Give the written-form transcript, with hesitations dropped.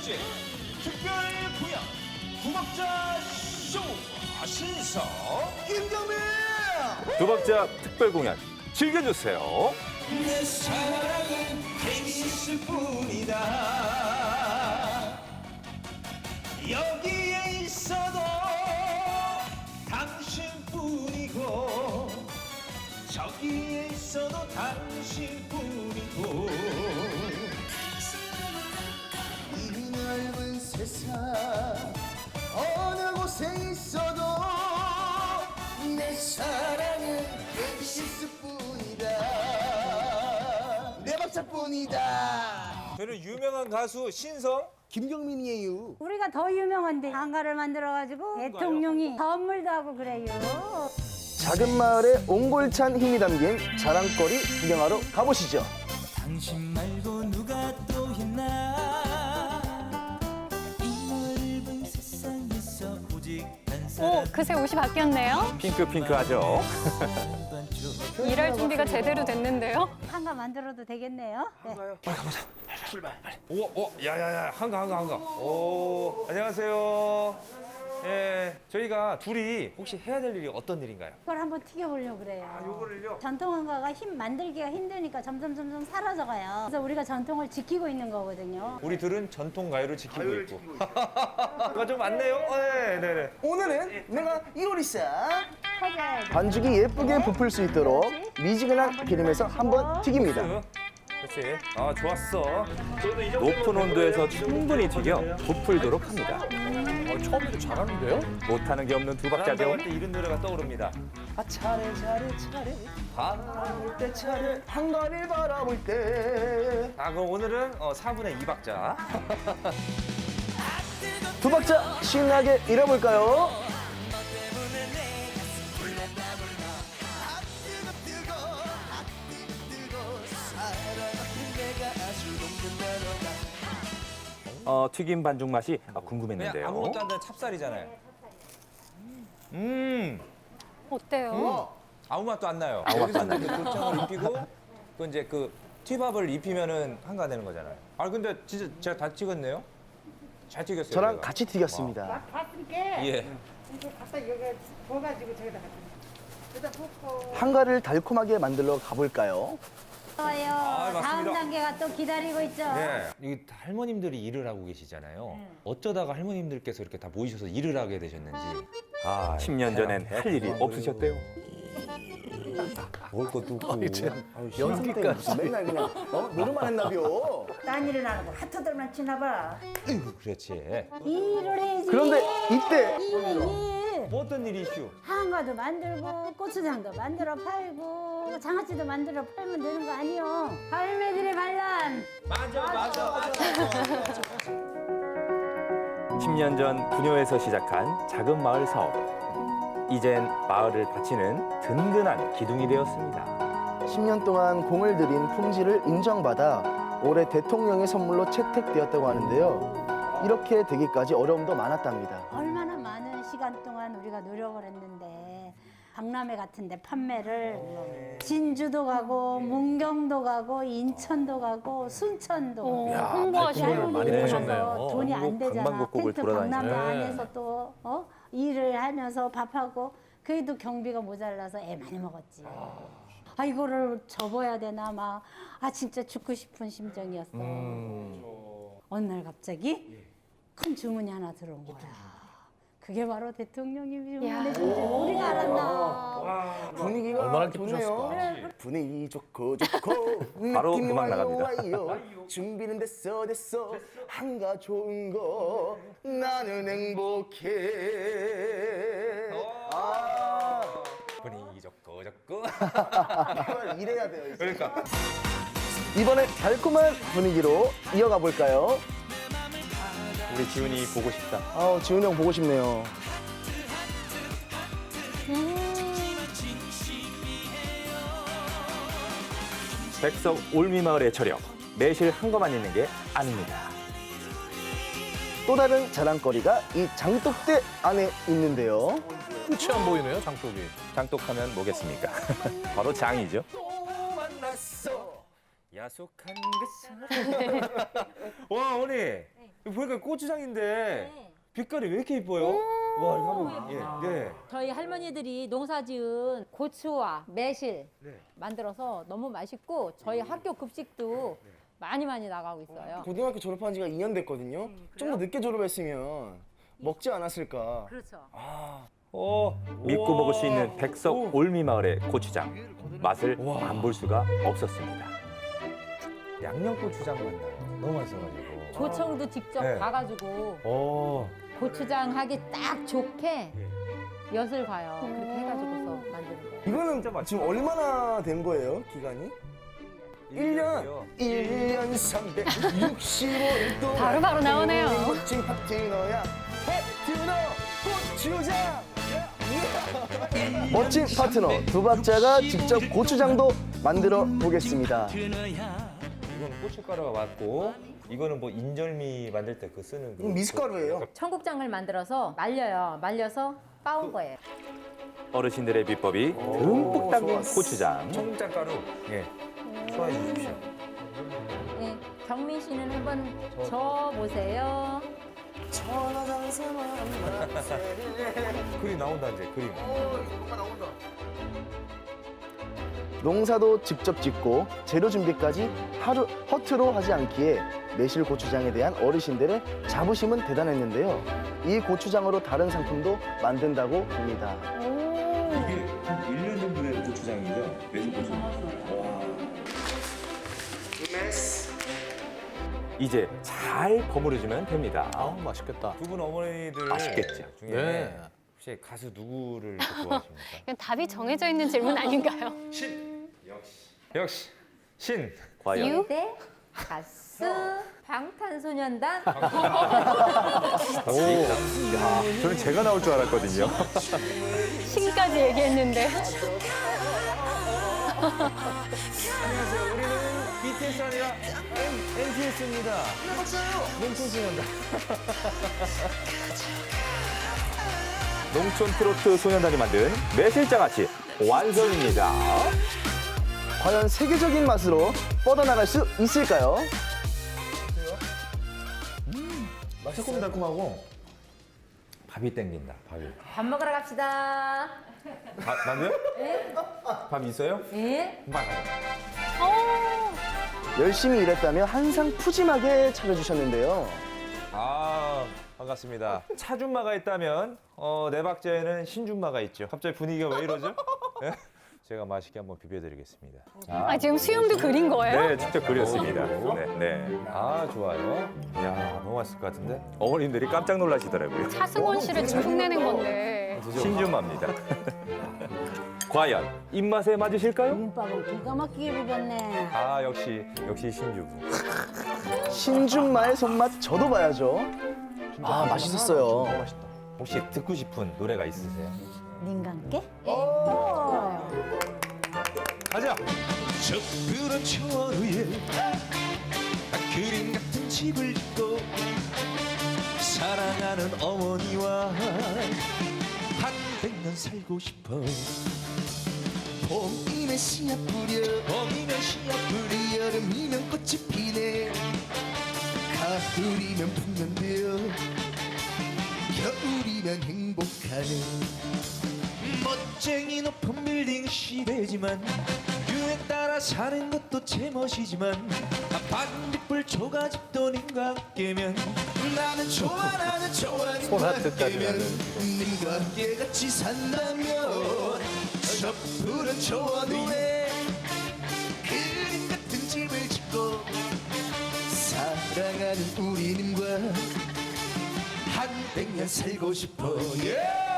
번째 특별 공연 구박자 쇼 신성 김경민! 두 박자 특별 공연 즐겨주세요. 내 사랑은 테니스 뿐이다 여기에 있어도 당신뿐이고 저기에 있어도 당신뿐이고 이 넓은 세상 어느 곳에 있어도 내 사랑은 테니스뿐이다 내 박자뿐이다 저는 유명한 가수 신성 김경민이에요. 우리가 더 유명한데 한가를 만들어가지고 대통령이 선물도 하고 그래요. 작은 마을에 옹골찬 힘이 담긴 자랑거리 구경하러 가보시죠. 당신 말고 누가 또 있나 이 넓은 세상에서 오직 한 사람 그새 옷이 바뀌었네요. 핑크핑크하죠. 일할 준비가 제대로 됐는데요. 한가 만들어도 되겠네요. 네. 오, 야야야, 한가. 오, 안녕하세요. 예, 저희가 둘이 혹시 해야 될 일이 어떤 일인가요? 이걸 한번 튀겨보려고 그래요. 요거를요? 전통 한가가 만들기가 힘드니까 점점 사라져가요. 그래서 우리가 전통을 지키고 있는 거거든요. 우리 둘은 전통 가요를 지키고 있고. 뭐가 좀 많네요. 네네. 오늘은 내가 요리사 퍼져야지. 반죽이 예쁘게 부풀 수 있도록 미지근한 기름에서 한번 튀깁니다. 그렇지. 아, 좋았어. 높은 온도에서 충분히 튀겨 부풀도록 합니다. 처음부터 잘하는데요? 못하는 게 없는 두 박자죠. 할때 이런 노래가 떠오릅니다. 아 차례 바라볼 때 차례 한가를 바라볼 때 아, 그럼 오늘은 4분의 2박자. 두 박자 신나게 잃어볼까요? 튀김 반죽 맛이 그냥 궁금했는데요. 아무것도 안 되는 찹쌀이잖아요. 어때요? 아무 맛도 안 나요. 아무 맛도 안 여기서는 그 고창을 입히고 또 이제 그 튀밥을 입히면은 한가 되는 거잖아요. 아, 근데 진짜 제가 다 찍었네요. 잘 튀겼어요. 저랑 제가. 같이 튀겼습니다. 봤으니까 예. 이제 갖다 여기 부어가지고 저기다 갖다 여기다 붓고 한가를 달콤하게 만들러 가볼까요? 좋아요. 맞습니다. 다음 단계가 또 기다리고 있죠. 네. 이 할머님들이 일을 하고 계시잖아요. 어쩌다가 할머님들께서 이렇게 다 모이셔서 일을 하게 되셨는지. 10년 전엔 할 일이 없으셨대요. 먹을 것도 없고. 연습까지 맨날 그냥 노름만 했나비요. 딴 일은 안 하고 하트들만 치나봐. 그렇지. 일을 해야지. 그런데 이때 일. 뭐 어떤 일이 이슈? 한가도 만들고 고추장도 만들어 팔고 장아찌도 만들어 팔면 되는 거 아니요. 할매들의 반란. 맞아. 10년 전 부녀에서 시작한 작은 마을 사업. 이젠 마을을 바치는 든든한 기둥이 되었습니다. 10년 동안 공을 들인 품질을 인정받아 올해 대통령의 선물로 채택되었다고 하는데요. 이렇게 되기까지 어려움도 많았답니다. 얼마나 많은 시간 동안 우리가 노력을 했는데 박람회 같은 데 판매를 진주도 가고 문경도 가고 인천도 가고 순천도 가고 홍보하시는 많이 일을 파셨네요. 해서 돈이 안 되잖아. 방방곡곡을 텐트 돌아다니시네. 박람회 안에서 또 일을 하면서 밥하고 그래도 경비가 모자라서 애 많이 먹었지. 아 이거를 접어야 되나 막 진짜 죽고 싶은 심정이었어. 어느 날 갑자기 큰 주문이 하나 들어온 거야. 그게 바로 대통령이 주문해 준 줄 우리가 알았나. 분위기가 얼마나 좋네요. 기쁘셨을까? 분위기 좋고 바로 느낌 음악 와요, 나갑니다. 와요. 준비는 됐어 한가 좋은 거 나는 행복해. 분위기 좋고. 이래야 돼요. 이제. 그러니까. 이번에 달콤한 분위기로 이어가 볼까요? 우리 지훈이 보고 싶다. 지훈이 형 보고 싶네요. 백석 올미마을의 저력. 매실 한 거만 있는 게 아닙니다. 또 다른 자랑거리가 이 장독대 안에 있는데요. 끝이 안 보이네요, 장독이. 장독하면 뭐겠습니까? 바로 장이죠. 야속한 그 사람. 와, 어머니. 보니까 고추장인데 빛깔이 왜 이렇게 이뻐요? 와, 이거 한번 네. 저희 할머니들이 농사지은 고추와 매실 만들어서 너무 맛있고 저희 학교 급식도 많이 나가고 있어요. 고등학교 졸업한 지가 2년 됐거든요. 좀 더 늦게 졸업했으면 먹지 않았을까. 그렇죠. 믿고 먹을 수 있는 백석 올미마을의 고추장. 맛을 안 볼 수가 없었습니다. 양념고추장 맛나요. 너무 맛있어가지고. 조청도 직접 네. 가가지고 고추장 하기 딱 좋게 엿을 봐요. 그렇게 해가지고서 만드는 거예요. 이거는 지금 얼마나 된 거예요, 기간이? 1년 365일 동안 바로바로 나오네요. 멋진 파트너야 파트너 고추장. 멋진 파트너 두 박자가 직접 고추장도 만들어 보겠습니다. 이거는 고춧가루가 맞고 이거는 뭐 인절미 만들 때 그 쓰는 그 미숫가루예요. 청국장을 만들어서 말려요. 말려서 빻은 거예요. 어르신들의 비법이 듬뿍 담긴 고추장. 청국장 가루. 예. 소화해 주십시오. 네, 경민 씨는 한번 저 보세요. 그림 나온다 이제 그림. 농사도 직접 짓고 재료 준비까지 하루 허투루 하지 않기에 매실 고추장에 대한 어르신들의 자부심은 대단했는데요. 이 고추장으로 다른 상품도 만든다고 합니다. 이게 한 1년 정도 된 고추장이죠? 매실 고추장. 이제 잘 버무려주면 됩니다. 아, 맛있겠다. 두 분 어머니들 맛있겠죠? 중에 네. 혹시 가수 누구를 더 좋아하십니까? 이건 답이 정해져 있는 질문 아닌가요? 역시 신. 과연 이유? 네, 가수 방탄소년단. 저는 제가 나올 줄 알았거든요. 신까지 얘기했는데. 안녕하세요. 우리는 BTS 아니라 NTS입니다. 농촌소년단. 농촌 트로트 소년단이 만든 매실장아찌 완성입니다. 과연 세계적인 맛으로 뻗어나갈 수 있을까요? 새콤달콤하고 밥이 땡긴다. 밥이. 밥 먹으러 갑시다. 밥이요? 네? 밥 있어요? 네? 밥 가자. 열심히 일했다며 항상 푸짐하게 차려주셨는데요. 아 반갑습니다. 차준마가 있다면 네 박자에는 신준마가 있죠. 갑자기 분위기가 왜 이러죠? 예? 제가 맛있게 한번 비벼드리겠습니다. 아, 지금 수염도 그린 거예요? 네, 직접 그렸습니다. 네. 아 좋아요. 야 너무 맛있을 것 같은데. 어머님들이 깜짝 놀라시더라고요. 차승원 씨를 지금 흉내낸 건데. 신주마입니다. 과연 입맛에 맞으실까요? 김밥은 기가 막히게 비볐네. 아 역시 신주부. 신준마의 손맛 저도 봐야죠. 아, 맛있었어요. 너무 맛있다. 혹시 듣고 싶은 노래가 있으세요? 민감께? 가자. 저 푸른 초원 위에 그림 같은 집을 짓고 사랑하는 어머니와 한 100년 살고 싶어. 봄이면 씨앗 뿌려 여름이면 꽃이 피네 가을이면 풍년되어 겨울이면 행복하네. 멋쟁이 높은 빌딩 시대지만 유행 따라 사는 것도 제멋이지만 반딧불 초가집도 님과 함께면 나는 좋아 님과 함께면 님과 함께 같이 산다면 저 푸른 초원 위에 그림 같은 집을 짓고 사랑하는 우리 님과 한 100년 살고 싶어.